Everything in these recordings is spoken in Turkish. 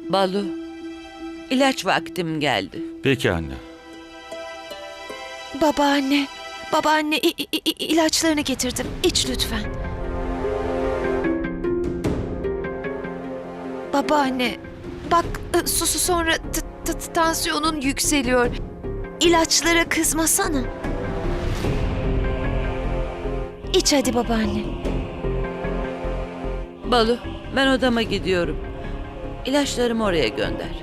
Balu, ilaç vaktim geldi. Peki anne. Babaanne, babaanne ilaçlarını getirdim. İç lütfen. Babaanne, bak susu sonra tansiyonun yükseliyor. İlaçlara kızmasana. İç hadi babaanne. Balu, ben odama gidiyorum. İlaçlarımı oraya gönder.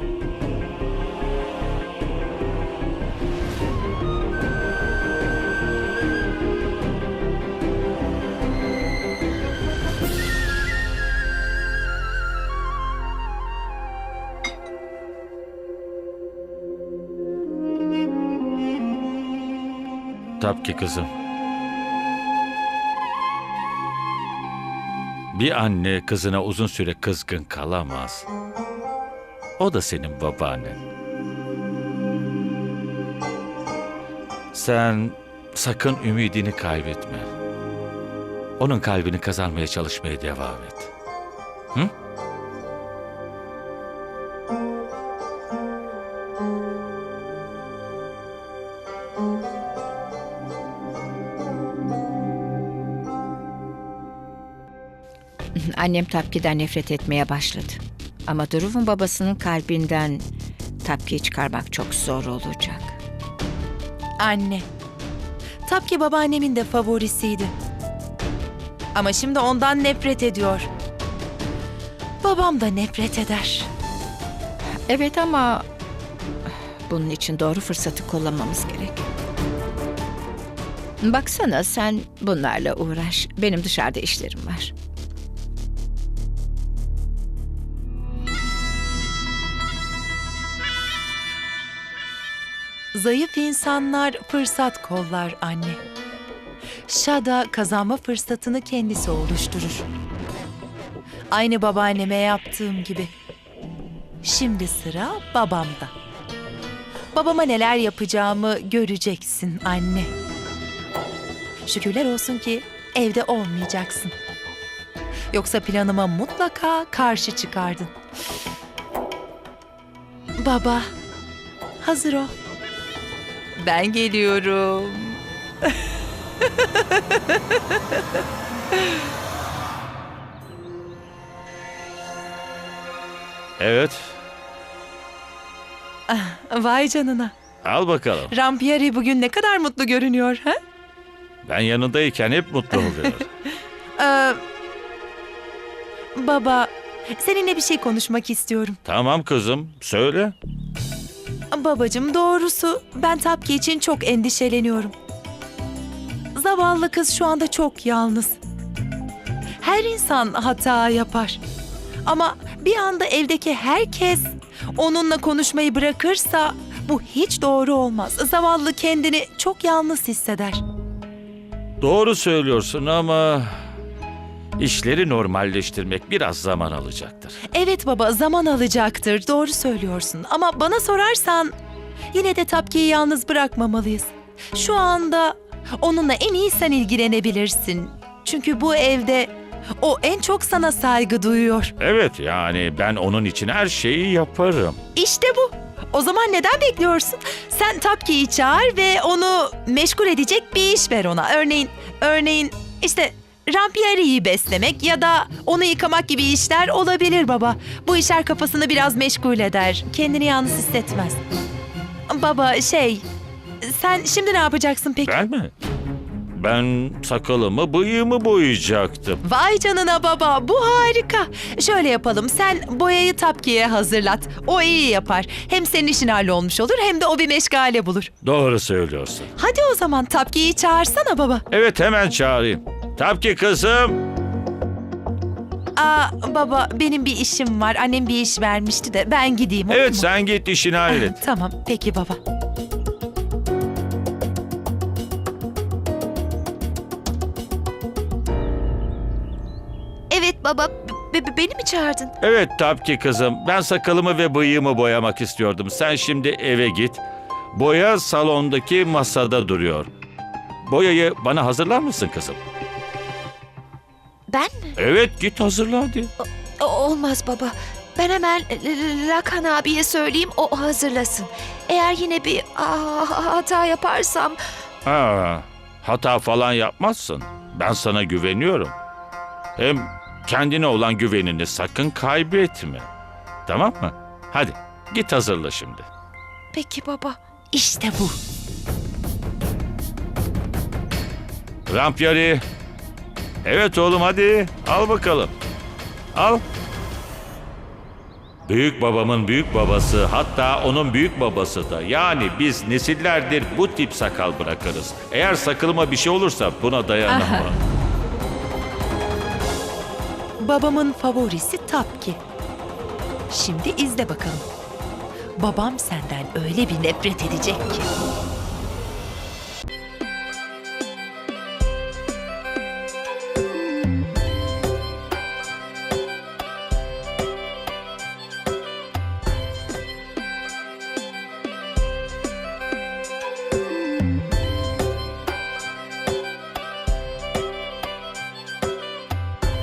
Tabii ki kızım. Bir anne kızına uzun süre kızgın kalamaz. O da senin babaannen. Sen sakın ümidini kaybetme. Onun kalbini kazanmaya çalışmaya devam et. Hı? Annem Tapki'den nefret etmeye başladı. Ama Duruv'un babasının kalbinden Tapki'yi çıkarmak çok zor olacak. Anne. Tapki babaannemin de favorisiydi. Ama şimdi ondan nefret ediyor. Babam da nefret eder. Evet ama bunun için doğru fırsatı kullanmamız gerek. Baksana sen bunlarla uğraş. Benim dışarıda işlerim var. Zayıf insanlar fırsat kollar anne. Şada kazanma fırsatını kendisi oluşturur. Aynı babaanneme yaptığım gibi. Şimdi sıra babamda. Babama neler yapacağımı göreceksin anne. Şükürler olsun ki evde olmayacaksın. Yoksa planıma mutlaka karşı çıkardın. Baba, hazır ol. Ben geliyorum. Evet, Vay canına. al bakalım. Rampieri bugün ne kadar mutlu görünüyor, ha? Ben yanındayken hep mutlu oluyor. Ee, Baba, seninle bir şey konuşmak istiyorum. Tamam kızım, söyle. Babacığım, doğrusu ben Tapki için çok endişeleniyorum. Zavallı kız şu anda çok yalnız. Her insan hata yapar. Ama bir anda evdeki herkes onunla konuşmayı bırakırsa bu hiç doğru olmaz. Zavallı kendini çok yalnız hisseder. Doğru söylüyorsun ama işleri normalleştirmek biraz zaman alacaktır. Evet baba, zaman alacaktır. Doğru söylüyorsun. Ama bana sorarsan yine de Tapki'yi yalnız bırakmamalıyız. Şu anda onunla en iyi sen ilgilenebilirsin. Çünkü bu evde o en çok sana saygı duyuyor. Evet, yani ben onun için her şeyi yaparım. İşte bu. O zaman neden bekliyorsun? Sen Tapki'yi çağır ve onu meşgul edecek bir iş ver ona. Örneğin işte Rampieri'yi beslemek ya da onu yıkamak gibi işler olabilir baba. Bu işler kafasını biraz meşgul eder. Kendini yalnız hissetmez. Baba sen şimdi ne yapacaksın peki? Ben mi? Ben sakalımı, bıyığımı boyayacaktım. Vay canına baba, bu harika. Şöyle yapalım, sen boyayı Tapki'ye hazırlat. O iyi yapar. Hem senin işin hallolmuş olur hem de o bir meşgale bulur. Doğru söylüyorsun. Hadi o zaman Tapki'yi çağırsana baba. Evet, hemen çağırayım. Tapki kızım. Baba, benim bir işim var. Annem bir iş vermişti de ben gideyim, olur Evet, mu? sen git işini hallet. Tamam, peki baba. Evet baba, beni mi çağırdın? Evet Tapki kızım, ben sakalımı ve bıyığımı boyamak istiyordum. Sen şimdi eve git. Boya salondaki masada duruyor. Boyayı bana hazırlar mısın kızım? Ben mi? Evet, git hazırla hadi. Olmaz baba. Ben hemen Lakan abiye söyleyeyim, o hazırlasın. Eğer yine bir hata yaparsam... Hata falan yapmazsın. Ben sana güveniyorum. Hem kendine olan güvenini sakın kaybetme. Tamam mı? Hadi git hazırla şimdi. Peki baba. İşte bu. Rampyari. Evet oğlum hadi. Al bakalım. Al. Büyük babamın büyük babası, hatta onun büyük babası da. Yani biz nesillerdir bu tip sakal bırakırız. Eğer sakalıma bir şey olursa buna dayanamam. Babamın favorisi Tapki. Şimdi izle bakalım. Babam senden öyle bir nefret edecek ki.